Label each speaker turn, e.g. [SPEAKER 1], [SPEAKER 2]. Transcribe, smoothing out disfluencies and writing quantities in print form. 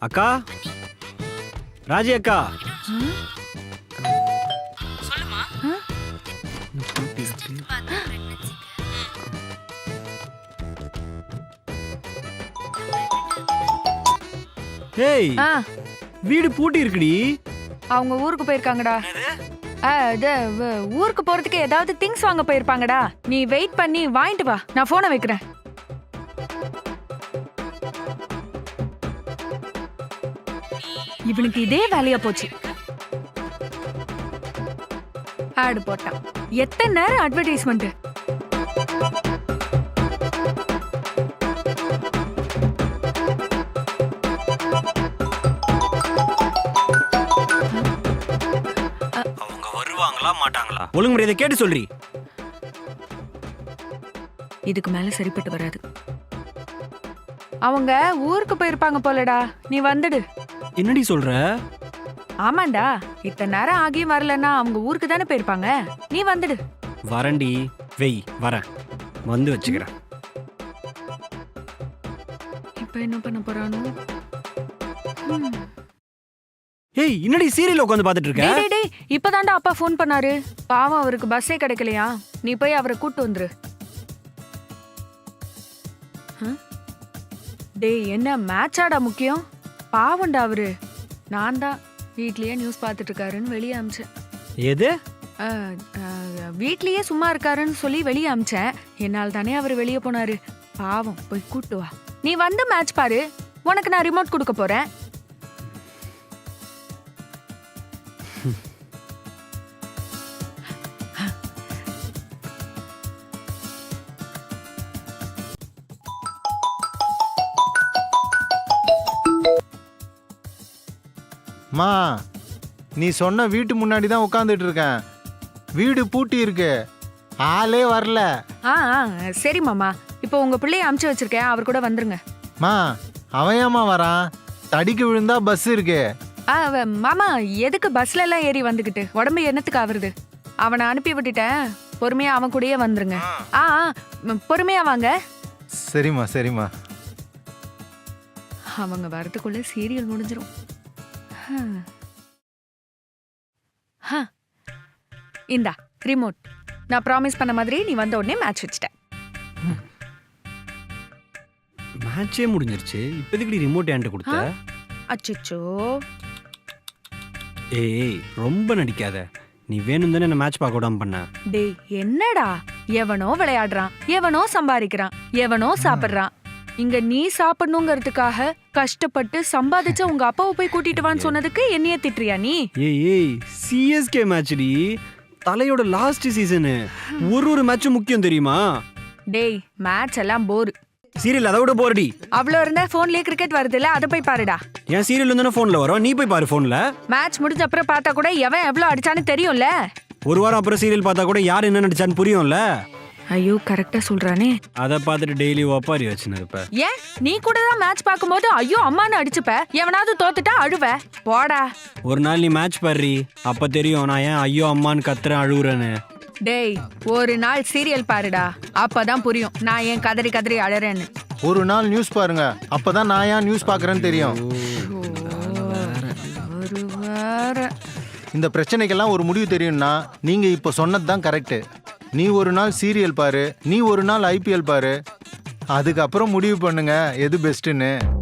[SPEAKER 1] அக்கா, ராஜி அக்கா.
[SPEAKER 2] சொல்லுமா.
[SPEAKER 1] ஏய், வீடு பூட்டி இருக்குடி.
[SPEAKER 3] அவங்க ஊருக்கு போயிருக்காங்கடா. ஊருக்கு போறதுக்கு ஏதாவது திங்ஸ் வாங்க போயிருப்பாங்கடா. நீ வெயிட் பண்ணி வாங்கிட்டு வா, நான் போனை வைக்கிறேன். இவனுக்கு இதே வேலையா போச்சு. ஆடு போட்டான். எத்தனை நேரம் அட்வர்டைஸ்மெண்ட்.
[SPEAKER 1] அவங்க வருவாங்களா மாட்டாங்களா? ஒழுங்கு முறையை கேட்டு சொல்றி.
[SPEAKER 3] இதுக்கு மேல சரிப்பட்டு வராது. அவங்க ஊருக்கு போயிருப்பாங்க போலடா, நீ வந்துடு.
[SPEAKER 1] என்னடி சொல்ற?
[SPEAKER 3] ஆமாண்டா, இத்தனை நேரம் ஆகியும் வரலன்னா அவங்க ஊருக்கு தானே போயிருப்பாங்க. நீ வந்துடு.
[SPEAKER 1] வரண்டி, வெய் வரேன், வந்து வச்சுக்கிறேன்.
[SPEAKER 3] இப்ப என்ன பண்ண போறானோ?
[SPEAKER 1] ஏய், என்னடி சீரியல் உட்காந்து பாத்துட்டு இருக்க?
[SPEAKER 3] டேய் டேய், இப்பதான்டா அப்பா ஃபோன் பண்ணாரு. பாவம், அவருக்கு பஸ்ஸே கிடைக்கலையா. நீ போய் அவரை கூட்டு வந்துரு. டேய், என்ன மேட்சாடா முக்கியம்? பாவம்டா அவரு. நான் தான் வீட்லயே நியூஸ் பார்த்துட்டு இருக்காருன்னு வெளியே அமிச்சேன்.
[SPEAKER 1] எது?
[SPEAKER 3] வீட்லயே சும்மா இருக்காருன்னு சொல்லி வெளியே அமிச்சேன். என்னால் தானே அவர் வெளியே போனாரு. பாவம், போய் கூட்டு வா. நீ வந்து மேட்ச் பாரு, உனக்கு நான் ரிமோட் கொடுக்க போறேன்.
[SPEAKER 4] மா, நீ சொன்ன வீட்டு முன்னாடி தான் உட்காந்துட்டு இருக்கேன். வீடு பூட்டி இருக்கு, ஆளே வரல.
[SPEAKER 3] சரி மாமா, இப்போ உங்க பிள்ளைய அமுச்சு வச்சிருக்கேன், அவர் கூட வந்துருங்க.
[SPEAKER 4] மா, அவன் ஏமா வரான்? தடிக்கு விழுந்தா பஸ் இருக்கு.
[SPEAKER 3] மாமா, எதுக்கு பஸ்ல எல்லாம் ஏறி வந்துகிட்டு? உடம்பு என்னத்துக்கு ஆவருது? அவனை அனுப்பி விட்டுட்டேன், பொறுமையா அவன் கூடயே வந்துருங்க. பொறுமையா வாங்க.
[SPEAKER 4] சரிம்மா சரிம்மா.
[SPEAKER 3] அவங்க வரதுக்குள்ள சீரியல் முடிஞ்சிரும். இந்தா ரிமோட். நான் ப்ராமிஸ் பண்ண மாதிரி நீ வந்த உடனே மேட்ச் வச்சிட்டேன்.
[SPEAKER 1] மேட்சே முடிஞ்சிருச்சு, இப்போ எதுக்கு ரிமோட் என்கிட்ட கொடுத்த?
[SPEAKER 3] அச்சச்சோ.
[SPEAKER 1] ஏய், ரொம்ப நடிக்காத. நீ வேணும் தானே என்ன மேட்ச் பார்க்க விடாம பண்ண.
[SPEAKER 3] டேய், என்னடா, எவனோ விளையாடுறான், எவனோ சம்பாதிக்கிறான், எவனோ சாப்பிடுறான். இங்க நீ சாப்பிடணுங்கிறதுக்காக கஷ்டப்பட்டு சம்பாதிச்ச உங்க அப்பாவை போய் கூட்டிட்டு வான்னு சொன்னதுக்கு என்னைய திட்டுறியா நீ?
[SPEAKER 1] ஏய், சிஎஸ்கே மேட்ச்டி, தலையோட லாஸ்ட் சீசனு. ஒரு மேட்சும் முக்கியம் தெரியுமா?
[SPEAKER 3] டேய், மேட்ச் எல்லாம் போர்.
[SPEAKER 1] சீரியல் அதை விட போர்டி.
[SPEAKER 3] அவ்வளோ இருந்தா போன்லயே கிரிக்கெட் வருதுல்ல, அதை போய் பாருடா.
[SPEAKER 1] என் சீரியல் இருந்தானே போன்ல வரும், நீ போய் பாரு போன்ல.
[SPEAKER 3] மேட்ச் முடிஞ்ச அப்புறம் பார்த்தா கூட எவன் எவ்வளவு அடிச்சான்னு தெரியும்ல.
[SPEAKER 1] ஒரு வாரம் அப்புறம் சீரியல் பார்த்தா கூட யார் என்ன நடிச்சான்னு புரியும்ல.
[SPEAKER 3] ஐயோ, கரெக்டா சொல்றானே.
[SPEAKER 1] அத பார்த்துட்டு டெய்லி ஒப்பாரி வச்சுன்னு இருப்ப.
[SPEAKER 3] ஏன் நீ கூட தான் மேட்ச் பார்க்கும்போது ஐயோ அம்மான்னு அடிச்சுப்ப, எவனாவது தோத்துட்டா அழுவ. போடா.
[SPEAKER 1] ஒரு நாள் நீ மேட்ச் பாரு, அப்ப தெரியும் நான் ஏன் ஐயோ அம்மான்னு கத்துறேன் அழுவுறேன்னு.
[SPEAKER 3] டேய், ஒரு நாள் சீரியல் பாருடா, அப்பதான் புரியும் நான் ஏன் கதறி கதறி அழறேன்னு.
[SPEAKER 4] ஒரு நாள் நியூஸ் பாருங்க, அப்பதான் நான் ஏன் நியூஸ் பாக்குறேன்னு தெரியும். இந்த பிரச்சனைக்கெல்லாம் ஒரு முடிவு தெரியும்னா நீங்க இப்ப சொன்னதுதான் கரெக்ட். நீ ஒரு நாள் சீரியல் பாரு, நீ ஒரு நாள் ஐபிஎல் பாரு, அதுக்கப்புறம் முடிவு பண்ணுங்க எது பெஸ்ட்னு.